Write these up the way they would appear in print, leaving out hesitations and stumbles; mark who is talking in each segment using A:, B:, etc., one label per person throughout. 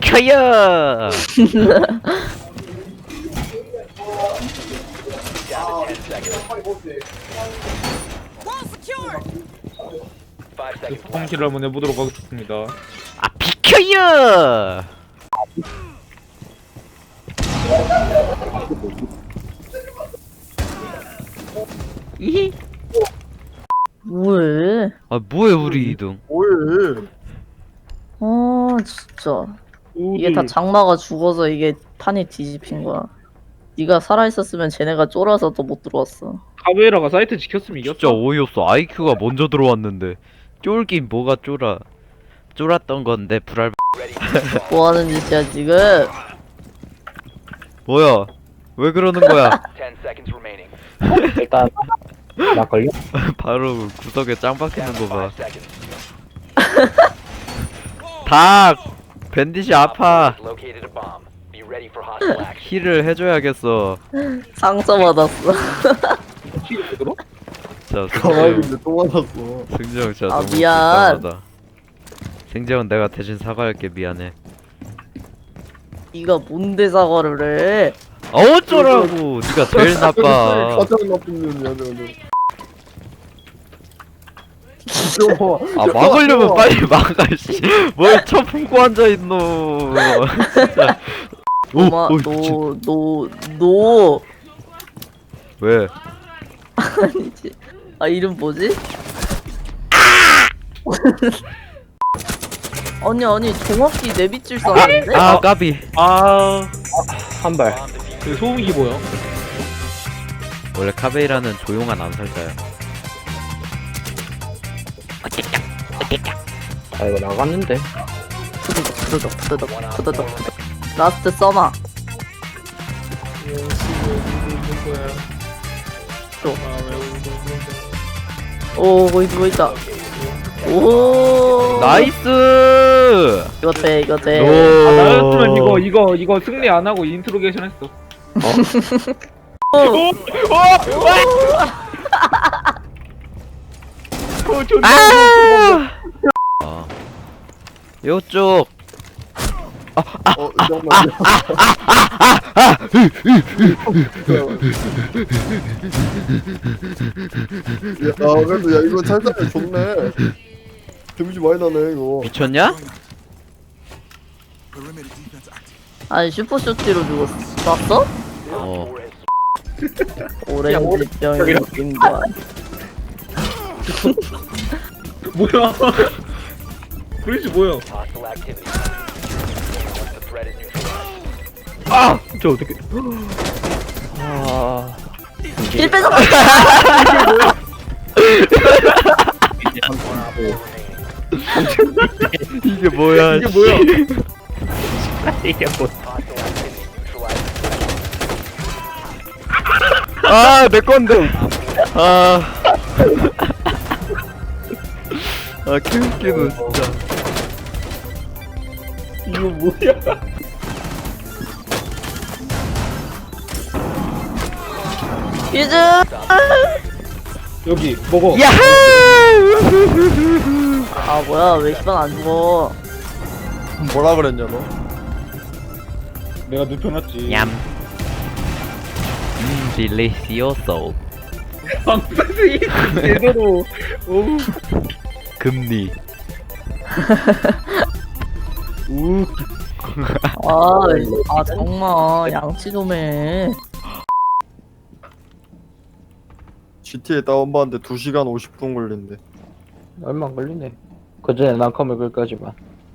A: 비켜요.
B: 성실을 한번 해보도록 하겠습니다.
A: 아 비켜요. 이히.
C: 뭐해?
A: 아 뭐해 우리 이등.
D: 뭐해?
C: 아 진짜 이게 다 장마가 죽어서 이게 판이 뒤집힌 거야. 네가 살아있었으면 쟤네가 쫄아서 더 못 들어왔어.
B: 카베라가 사이트 지켰으면
A: 진짜
B: 이겼어.
A: 어이없어. IQ가 먼저 들어왔는데 쫄긴 뭐가 쫄아. 쫄았던 건데 불알.
C: 뭐하는 짓이야 지금?
A: 뭐야? 왜 그러는 거야?
E: 일단 나 걸려?
A: 바로 구석에 짱 박히는 거 봐. 닭! 밴딧이 아파. 힐을 해줘야겠어.
C: 상처받았어.
A: 자,
D: 가만히
A: 승재형.
D: 있는데 또 맞았어.
A: 승재형 진짜
C: 아,
A: 너무
C: 미안.
A: 불쌍하다. 승재형 내가 대신 사과할게. 미안해.
C: 네가 뭔데 사과를 해?
A: 어쩌라고! 네가 제일 나빠.
D: 가장 나쁜 년이야 너는.
A: 아 막으려면 빨리 막아 씨. 뭘 쳐 품고 앉아있노. 진짜.
C: 엄마
A: 미친.
C: 너
A: 왜?
C: 아니지. 아 이름 뭐지? 아니 정확히 내비칠 수 아닌데?
A: 아 까비.
E: 한 발.
B: 그 소음기 뭐야?
A: 원래 카베이라는 조용한 암살자야.
E: 아 이거 나갔는데.
C: 투더덕 라스트 써마. 오 거기 누워있다. 오
A: 나이스.
C: 이거 돼 이거 돼.
A: 오.
B: 아, 나였으면 이거 승리 안 하고 인트로게이션 했어.
A: 아. 요쪽.
D: 잠깐만. 야, 그래도 야 이거 찰떡이 좋네. 데미지 많이 나네 이거.
A: 미쳤냐?
C: 아니 슈퍼쇼티로 죽었어. 쐈어?
A: 어.
C: 오렌지 병이 인관.
B: 뭐야? 그러지 뭐야?
A: 아! 저 어떻게? 아.
C: 힐 뺏어.
A: 이게 뭐야?
B: 이게 뭐야?
E: 이게 뭐?
A: 아, 내 건데. 아. 아, 개웃기네 진짜.
B: 이거 뭐야?
C: 유즈.
B: 여기 먹어.
A: 야하!
C: 아 뭐야 왜 시간 안 죽어?
D: 뭐라 그랬냐 너?
B: 내가 눕혀놨지.
A: 얌. 딜리시오소.
B: 방패이 제대로. 오.
A: 금리.
C: 아 정말 양치 좀 해.
D: GTA 다운받는데 2시간 50분 걸린대.
E: 얼마 안 걸리네. 그 전에 난컴을 끌까지만.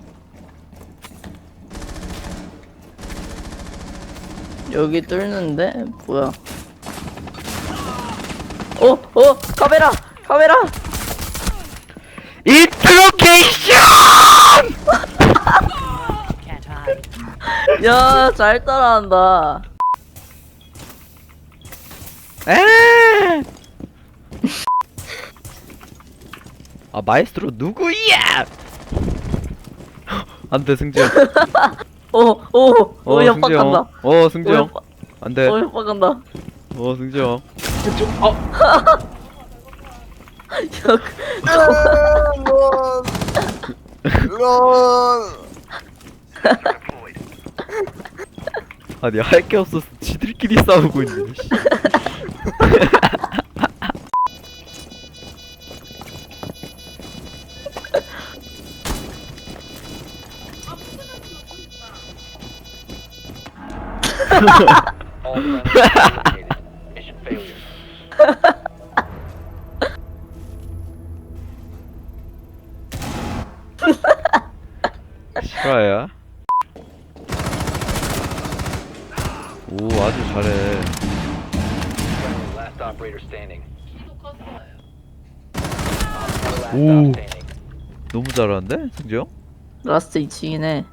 C: 여기 뚫는데 뭐야? 카메라.
A: 인트로케이션!
C: 야 잘 따라한다.
A: 에! 아 마에스트로 누구야? 안돼 승재형.
C: 협박한다.
A: 승재형. 안돼.
C: 협박한다.
A: 승재형.
D: 런.
A: 아니 할 게 없어서 지들끼리 싸우고 있네. 씨.
F: All friendly eliminated. Mission failure.
A: 실화야? 오 아주 잘해.
F: Friendly last operator standing. Last
A: Ooh.
F: op standing.
A: 너무 잘하는데 승재 형?
C: 라스트 2층이네.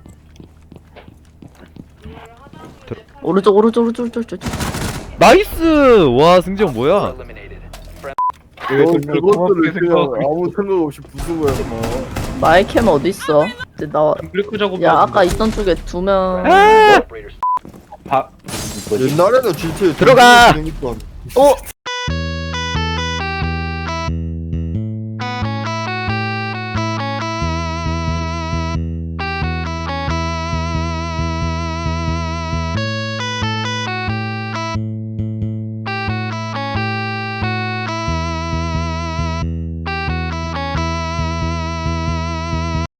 A: 들-
C: 오른쪽 오른쪽 오른쪽 오른쪽.
A: 나이스! 와 승재 형 뭐야?
F: Eliminated.
D: 너
B: 그걸
D: 그것들을
B: 고맙게
D: 그냥
B: 생각하고
D: 아무 생각 없이 부수고 해.
C: 마이캠 어디 있어? 이제 나와.
B: 브레이크 작업.
C: 야 아까 있던 쪽에 2명.
F: Operator
B: 바
E: 뭐지?
D: 옛날에는 GTA
A: 들어가!
D: 재밌던.
C: 어?